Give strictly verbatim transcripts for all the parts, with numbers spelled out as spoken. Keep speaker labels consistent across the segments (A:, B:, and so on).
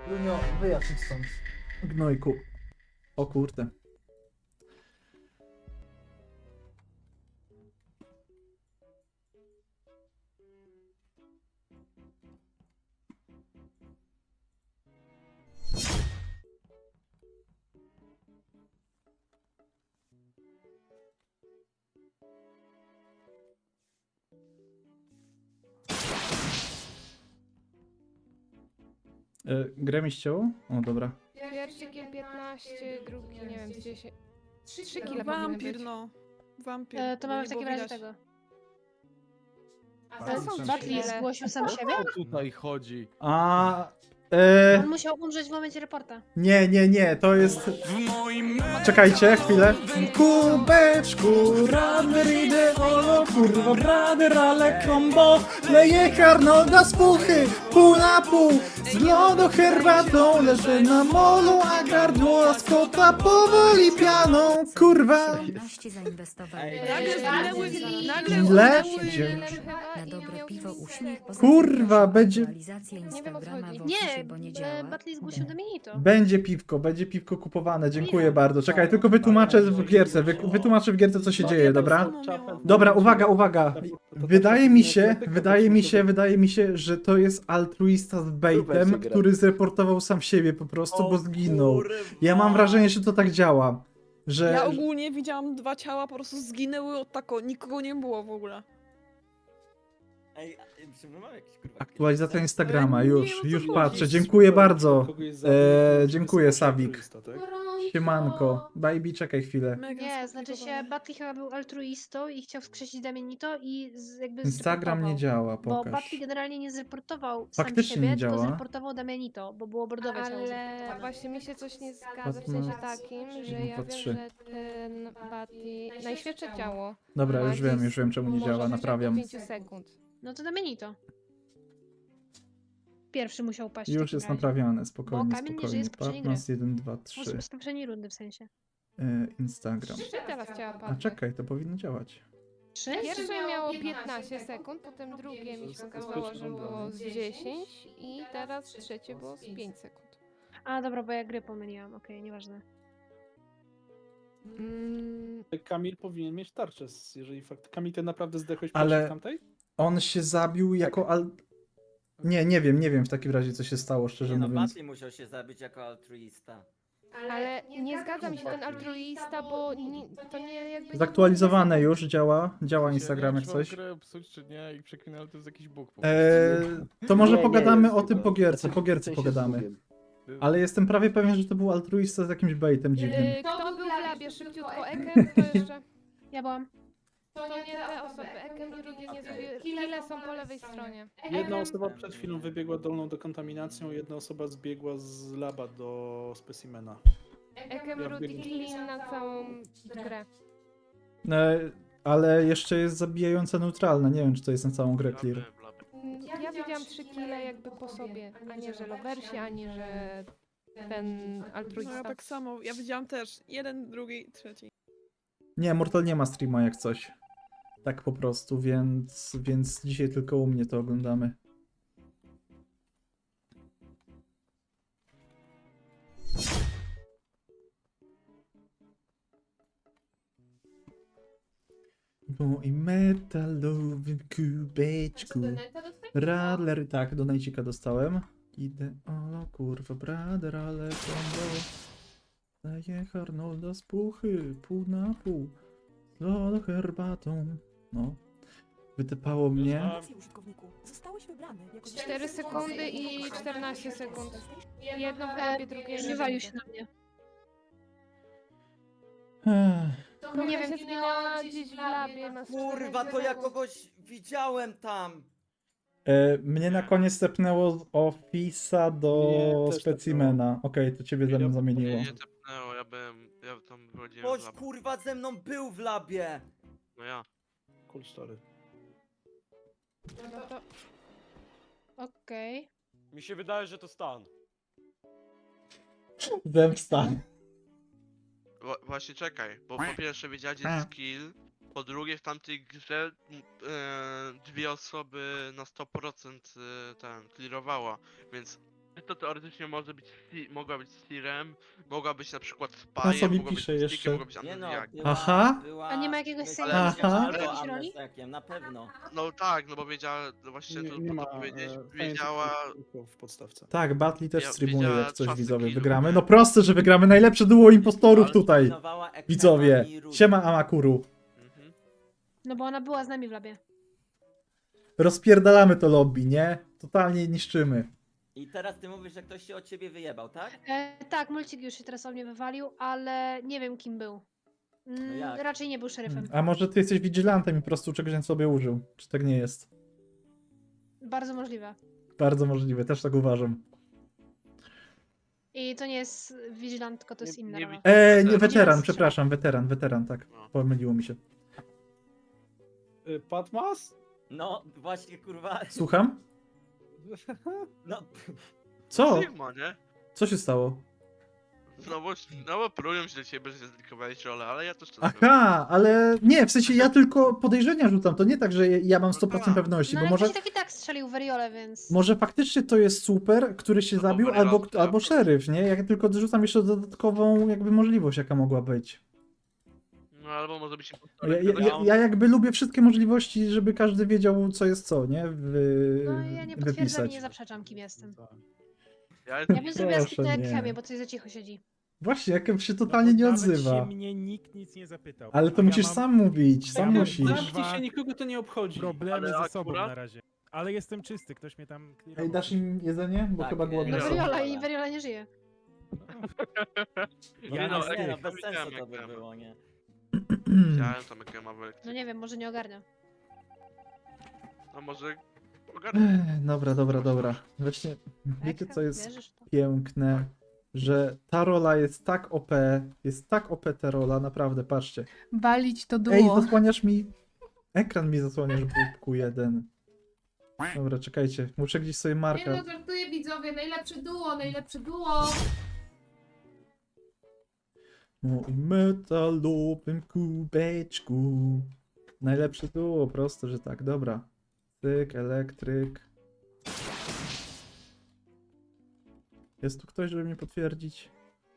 A: Lunio, wyjaśnij stąd.
B: Gnojku. O kurde. E, grę mi ścięło? O, dobra.
C: Pierwszy kill piętnaście, drugi nie wiem, dziesięć. Trzy kile powinny
D: Wampir,
C: być.
D: no. Wampir.
E: E, to
D: bo
E: mamy
D: nie
E: w takim
D: było
E: razie
D: widać.
E: tego.
C: Ale są trzy
E: Batli
C: kile.
E: zgłosił sam siebie?
F: O co tutaj chodzi?
B: A. E,
E: On musiał umrzeć w momencie reporta.
B: nie, nie, nie, to jest. Czekajcie, chwilę. Kubeczku, rader ideolo, kurwa, brader, ale kombo. Leje Arnolda z puchy, pół na pół. Z lodu herbatą, leżę na molu, a gardło z kota powoli pianą, kurwa.
G: osiemnaście zainwestował.
F: Ej,
D: Nagle zginęły, nagle
B: Ile?
D: zginęły.
B: Dzięki.
G: Na dobre piwo uśmiech. Poza
B: Kurwa,
G: tym proszę o
B: będzie-
G: aktualizację
C: wiem, o co
G: Instagrama
C: chodzi.
G: w opisie,
E: Nie,
G: bo nie
E: e,
G: działa.
E: Batli zgłosił Dominito.
B: Będzie piwko, będzie piwko kupowane, dziękuję bardzo. Czekaj, tylko wytłumaczę w gierce, wy, wytłumaczę w gierce co się dzieje, dobra? Dobra, uwaga, uwaga. Wydaje mi się, wydaje mi się, wydaje mi się, że to jest altruista z baitem, który zreportował sam siebie po prostu, bo zginął. Ja mam wrażenie, że to tak działa. Że
D: Ja ogólnie widziałam dwa ciała, po prostu zginęły od tako, nikogo nie było w ogóle.
F: Ej, czy my mamy jakieś kurwa...
B: aktualizacja Instagrama,
D: Nie,
B: już,
D: o co
B: już
D: chodzi?
B: patrzę. Dziękuję bardzo.
H: Kogoś zabił,
B: Eee,
H: to
B: dziękuję,
H: jest
B: Sawik.
H: altruista, tak?
B: Siemanko. Baby, czekaj chwilę.
D: Mega
E: Nie, znaczy się
D: skomplikowane.
E: Batli chyba był altruistą i chciał wskrzesić Damienito i z, jakby
B: Instagram nie
E: zreportował.
B: działa,
E: Bo
B: pokaż.
E: Batli generalnie nie zreportował sam
B: Faktycznie
E: siebie,
B: nie
E: tylko
B: działa.
E: zreportował Damienito, bo było bordowe ciało
C: Ale
E: zreportowane.
C: właśnie mi się coś nie zgadza, w
B: Batman.
C: sensie takim, że ja
B: Dwa,
C: wiem,
B: trzy.
C: że ten Batli... Najświeższe ciało
B: Dobra,
C: ma
B: już wiem,
C: gdzieś-
B: już wiem czemu nie
C: może
B: działa,
C: być
B: naprawiam.
C: do pięciu sekund.
E: No to Damienito. Pierwszy musiał paść w
B: Już
E: takim
B: jest
E: razie.
B: naprawiane, spokojnie,
E: Bo Kamil nie żyje
B: spokojnie.
E: z poprzedniej
B: Patmas jeden, dwa, trzy.
E: Może z poprzedniej rundy w sensie.
B: E, Instagram.
C: Trzy teraz ciała
B: A
C: padły.
B: czekaj, to powinno działać.
E: Trzy?
C: Pierwsze miało piętnaście sekund, potem drugie mi się okazało, że było z dziesięć i teraz trzecie było z pięć sekund.
E: A dobra, bo ja gry pomyliłam, okej, nieważne.
C: Mm,
H: Kamil powinien mieć tarczę, s- jeżeli fakt... Kamil, ty naprawdę zdechłeś
B: Ale-
H: pierwszy w tamtej?
B: On się zabił jako al... Nie, nie wiem, nie wiem w takim razie co się stało, szczerze
F: Nie no,
B: mówiąc.
F: Batli musiał się zabić jako altruista.
C: ale nie zgadza mi się ten altruista, bo nie, to nie jakby...
B: Zaktualizowane już, działa, działa Instagram jak
I: Nie wiem,
B: coś.
I: czy mam grę psuć, czy nie i przeklinę, ale to jest jakiś bóg po prostu.
B: Eee, to może
J: Nie, nie
B: pogadamy
J: jest
B: o tym
J: chyba.
B: po gierce,
J: Znaczy,
B: po
J: w
B: gierce
J: sensie
B: pogadamy.
J: zgubiem.
B: Ale jestem prawie pewien, że to był altruista z jakimś baitem dziwnym.
C: Yy, Kto był w labie? Szybciutko Ekem? Kto jeszcze?
E: Ja byłam.
C: To nie te osoby. Ekem i drugie nie zrobiły. Kile są po lewej stronie.
H: Jedna osoba przed chwilą wybiegła dolną dekontaminacją, jedna osoba zbiegła z laba do specimena.
C: Ekem,
H: Ja
C: Rudy,
H: biegłem.
C: clean na całą grę.
B: E, ale jeszcze jest zabijająca neutralna, nie wiem czy to jest na całą grę clear.
C: Mm, Ja widziałam trzy kile jakby po sobie, a nie że lowersi, ani że ten
D: No ja
C: altruista.
D: tak samo, ja widziałam też jeden, drugi, trzeci.
B: Nie, Mortal nie ma streama jak coś. Tak po prostu, więc, więc dzisiaj tylko u mnie to oglądamy. Bo i metalowym kubeczku. Radler, tak, do Najcika dostałem. Idę, o kurwa, brader, ale kombo. Daję Arnolda z puchy, pół na pół. Z herbatą. No. Wytypało mnie.
G: Zostałeś wybrany jako
C: cztery sekundy i czternaście sekund. Jedno w
E: E,
C: labie, drugie nie
E: Wywalił
C: wiem.
E: się na mnie.
B: Ech,
C: Nie wiem, się zginęła gdzieś w labie. Na
F: Kurwa, to ja kogoś widziałem tam!
B: E, mnie na koniec stepnęło z Office'a do
H: Nie, też
B: specimena. Okej, to ciebie ze mną zamieniło.
I: Nie, nie tepnęło, ja byłem, ja tam wychodziłem
F: Ktoś
I: z labu.
F: kurwa ze mną był w labie!
I: No ja.
H: Cool story.
C: No to
E: Okej.
J: Mi się wydaje, że to stan.
B: Zemsta.
I: Wła- właśnie czekaj, bo po pierwsze wiedziałeś gdzie jest skill, po drugie w tamtej grze m, e, dwie osoby na sto procent e, ten clearowała, więc to teoretycznie może być, Sti- mogła być Sirem, mogła być na przykład
B: On
I: Spajem,
B: sobie
I: mogła być
B: pisze
I: Mystikiem,
B: jeszcze.
I: mogła być
F: Nie no,
I: Amnezjakiem.
F: była,
B: Aha.
F: była,
E: A nie ma jakiegoś
F: myślę,
E: sejmu,
F: że
B: Aha.
F: albo
E: jakiejś roli?
F: amnezjakiem, na pewno.
I: No tak, no bo wiedziała, no właśnie
H: Nie,
I: to,
H: nie
I: to
H: ma
I: powiedzieć,
H: e, fajnie
I: wiedziała,
H: tylko w podstawce.
B: Tak, Batli też
I: Ja-
B: streamuje,
I: wiedziała
B: jak coś
I: czasy
B: widzowie
I: killu,
B: wygramy.
I: nie?
B: No proste, że wygramy najlepsze duo impostorów
I: Ale
B: tutaj.
F: Pilnowała Ekrema
B: Widzowie,
F: i Rudy.
B: siema Amakuru.
I: mhm.
E: No bo ona była z nami w labie.
B: Rozpierdalamy to lobby, nie? Totalnie niszczymy.
F: I teraz ty mówisz, że ktoś się od ciebie wyjebał, tak?
E: E, tak, Mulcik już się teraz o mnie wywalił, ale nie wiem kim był. Mm,
F: jak?
E: raczej nie był szeryfem.
B: A może ty jesteś vigilantem i po prostu czegoś na sobie użył? Czy tak nie jest?
E: Bardzo możliwe.
B: Bardzo możliwe, też tak uważam.
E: I to nie jest Vigilant, tylko to jest
I: Nie-
E: inna
I: nie
E: rola.
I: wi-
B: Eee, nie,
I: Weteran.
B: weteran, przepraszam, weteran, weteran, tak.
I: No.
B: Pomyliło mi się.
H: Y, Patmas?
F: No, właśnie kurwa.
B: Słucham?
F: No,
B: Co?
I: Sigma, nie?
B: Co się stało?
I: No bo, no bo próbują się do ciebie, że zlikowałeś rolę, ale ja też to
B: Aha, ale nie, w sensie ja tylko podejrzenia rzucam, to nie tak, że ja mam sto procent
I: tak.
B: pewności,
E: No
B: bo
E: ale
B: może,
E: ktoś tak i tak strzelił w Veriole, więc...
B: może faktycznie to jest super, który się
I: Albo
B: zabił,
I: Veriola
B: albo,
I: strzela.
B: albo szeryf, nie? Ja tylko dorzucam jeszcze dodatkową jakby możliwość, jaka mogła być.
I: No albo może być
B: Ja,
I: impostorem,
B: ja, ja,
I: wiadomo.
B: ja jakby lubię wszystkie możliwości, żeby każdy wiedział, co jest co, nie? Wy,
E: No ja nie potwierdzam
B: wypisać.
E: i nie zaprzeczam, kim jestem.
I: Ja
E: Ja bym zrobiła
B: Proszę,
E: skipnę
B: nie.
E: chemię, bo coś za cicho siedzi.
B: Właśnie, jak się totalnie nie odzywa.
A: Się mnie nikt nic nie zapytał.
B: Ale
A: A
B: to
A: ja
B: musisz
A: mam
B: sam mówić, sam
H: Ja
B: musisz.
H: Zamknij się, nikogo to nie obchodzi.
A: problemy
I: Ale
A: ze sobą
I: akurat-
A: na razie. Ale jestem czysty, ktoś mnie tam
B: Ej,
A: clearował.
B: dasz im jedzenie? Bo
F: Tak,
B: chyba
F: e,
B: głodne
E: No
I: Nie.
B: są.
E: Veriola i Veriola nie żyje.
A: Ja
I: no,
A: na
I: ej,
F: nie, no
A: styk.
F: bez sensu to
I: jak
F: by
I: tam.
F: było, nie?
I: Widziałem tam jak ma w
E: No
I: lekcji.
E: nie wiem, może nie ogarnia.
I: A może ogarnę.
B: Ech, Dobra, dobra, dobra. Właśnie, wiecie
E: Tak,
B: co jest
E: wierzysz w to?
B: piękne? Że ta rola jest tak O P, jest tak O P ta rola, naprawdę, patrzcie.
C: Walić to
B: Ej, zasłaniasz mi... Ekran mi zasłaniasz, Bubku jeden. Dobra, czekajcie, muszę gdzieś sobie
C: Nie
B: markę.
C: no, żartuję widzowie, najlepsze duo, najlepsze duo.
B: Mój metalowym kubeczku. Najlepsze duo, proste, że tak, dobra. Tyk, elektryk. Jest tu ktoś, żeby mnie potwierdzić?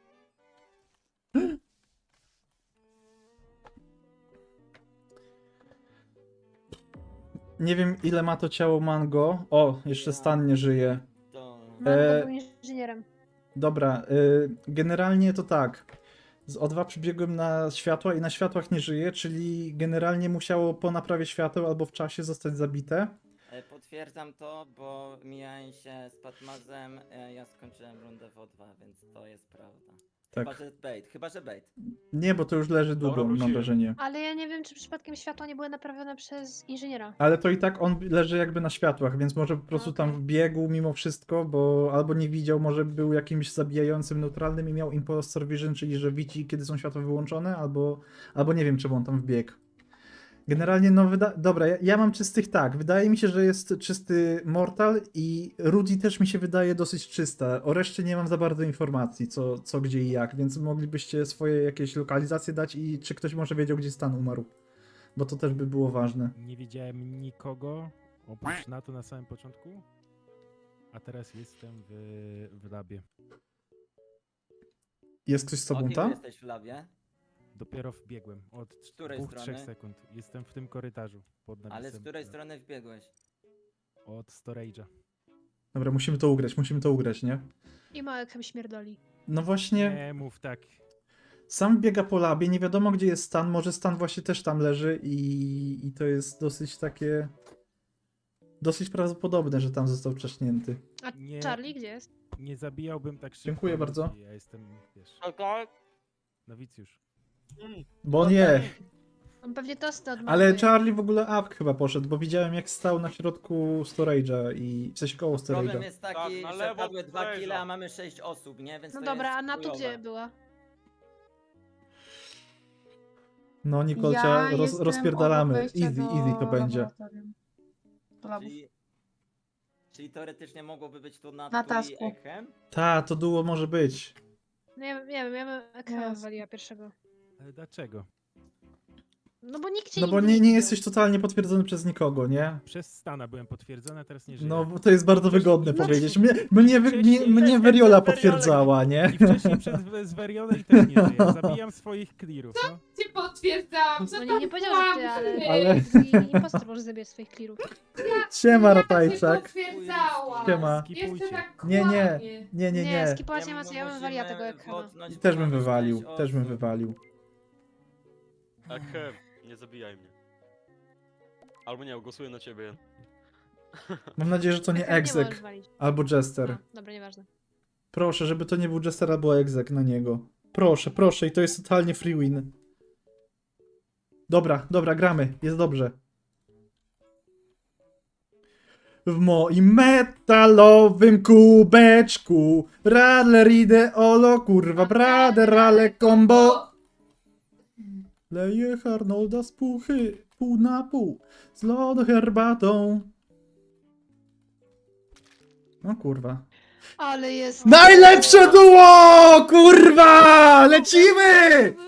B: Nie wiem, ile ma to ciało Mango. O, jeszcze Stan nie żyje.
F: To...
E: Mango
B: E,
E: był inżynierem.
B: Dobra, y, generalnie to tak. Z O dwa przybiegłem na światła i na światłach nie żyje, czyli generalnie musiało po naprawie świateł albo w czasie zostać zabite.
F: E, Potwierdzam to, bo mijałem się z Patmazem, e, ja skończyłem rundę w O dwa, więc to jest prawda. Chyba,
B: Tak.
F: że bait, chyba, że bait.
B: Nie, bo to już leży długo, mam
H: wróciłem.
B: wrażenie.
E: Ale ja nie wiem, czy przypadkiem światła nie były naprawione przez inżyniera.
B: Ale to i tak on leży jakby na światłach, więc może po prostu tam
E: Okej.
B: wbiegł mimo wszystko, bo albo nie widział, może był jakimś zabijającym neutralnym i miał impostor vision, czyli że widzi, kiedy są światła wyłączone, albo, albo nie wiem, czemu on tam wbiegł. Generalnie, no wyda... Dobra, ja, ja mam czystych tak. Wydaje mi się, że jest czysty Mortal i Rudy też mi się wydaje dosyć czysta. O reszcie nie mam za bardzo informacji, co, co gdzie i jak, więc moglibyście swoje jakieś lokalizacje dać i czy ktoś może wiedział, gdzie Stan umarł. Bo to też by było ważne.
A: Nie widziałem nikogo, oprócz NATO na samym początku. A teraz jestem w, w labie.
B: Jest ktoś z
F: O
B: tobą
F: kim
B: tam?
F: jesteś w labie?
A: Dopiero wbiegłem. Od
F: której
A: dwóch, trzech
F: strony?
A: sekund. Jestem w tym korytarzu. Pod napisem.
F: Ale z której strony wbiegłeś?
A: Od storage'a.
B: Dobra, musimy to ugrać, musimy to ugrać, nie?
E: I małek śmierdoli.
B: No właśnie,
A: Nie mów tak.
B: sam biega po labie, nie wiadomo gdzie jest Stan, może Stan właśnie też tam leży i, i to jest dosyć takie... Dosyć prawdopodobne, że tam został wcześnięty.
E: A
A: Nie.
E: Charlie gdzie jest?
A: Nie zabijałbym tak szybko.
B: Dziękuję bardzo.
A: ludzi. Ja jestem, wiesz,
F: Okej.
A: nowicjusz.
B: Bo nie,
E: On pewnie tosty odmawia.
B: ale Charlie w ogóle up chyba poszedł, bo widziałem jak stał na środku storage'a i w sensie koło
F: Problem
B: storage'a.
F: jest taki,
J: Tak, na
F: że
J: lewo
F: padły
J: od
F: dwa
J: storage'a.
F: kile, a mamy sześć osób, nie? Więc
E: No
F: to
E: dobra,
F: jest
E: a Natu
F: chujowe.
E: gdzie była?
B: No Nikolcia, roz, rozpierdalamy, easy, easy to będzie.
F: Czyli, czyli teoretycznie mogłoby być tu
K: Na
F: Natu i
K: tasku.
F: Echem?
B: Ta, to duo może być.
E: No ja, nie wiem, ja bym Ekra
K: Yes.
E: waliła pierwszego.
A: Ale dlaczego?
E: No bo nikt cię
B: No bo
E: nigdy
B: nie, nie
E: widział.
B: jesteś totalnie potwierdzony przez nikogo, nie?
A: Przez Stana byłem potwierdzony, a teraz nie żyję.
B: No bo to jest bardzo wygodne
E: No,
B: powiedzieć. Mnie, mnie, wy- mnie, mnie Veriola potwierdzała, nie?
A: I wcześniej przed z Verionem i też nie żyję. Zabijam swoich clearów, no.
C: Cię potwierdzałam,
E: No nie, nie powiedział, że ty, ale...
B: Ale-
E: I impostor może zabierać swoich clearów.
B: Siema, Ratajczak.
C: potwierdzałam.
B: Siema.
A: Skipujcie.
B: Nie, nie, nie, nie,
E: Nie,
B: nie.
E: skipować nie ma co, ja bym wywaliła tego ekrana.
F: botnąć
B: Też bym
F: ponad
B: wywalił,
F: pięć
B: też bym
F: osób.
B: wywalił.
J: Ehem, nie zabijaj mnie. Albo nie, głosuję na ciebie.
B: Mam nadzieję, że to nie
E: Ekran możesz
B: Exec
E: walić.
B: albo Jester.
E: A, dobra, nieważne.
B: Proszę, żeby to nie był Jester albo Exec na niego. Proszę, proszę, i to jest totalnie free win. Dobra, dobra, gramy, jest dobrze. W moim metalowym kubeczku Radler ideolo, kurwa, brader, ale combo. Leję Arnolda z puchy, pół na pół, z lodu herbatą. No kurwa.
E: Ale jest...
B: Najlepsze duo! Kurwa! Lecimy!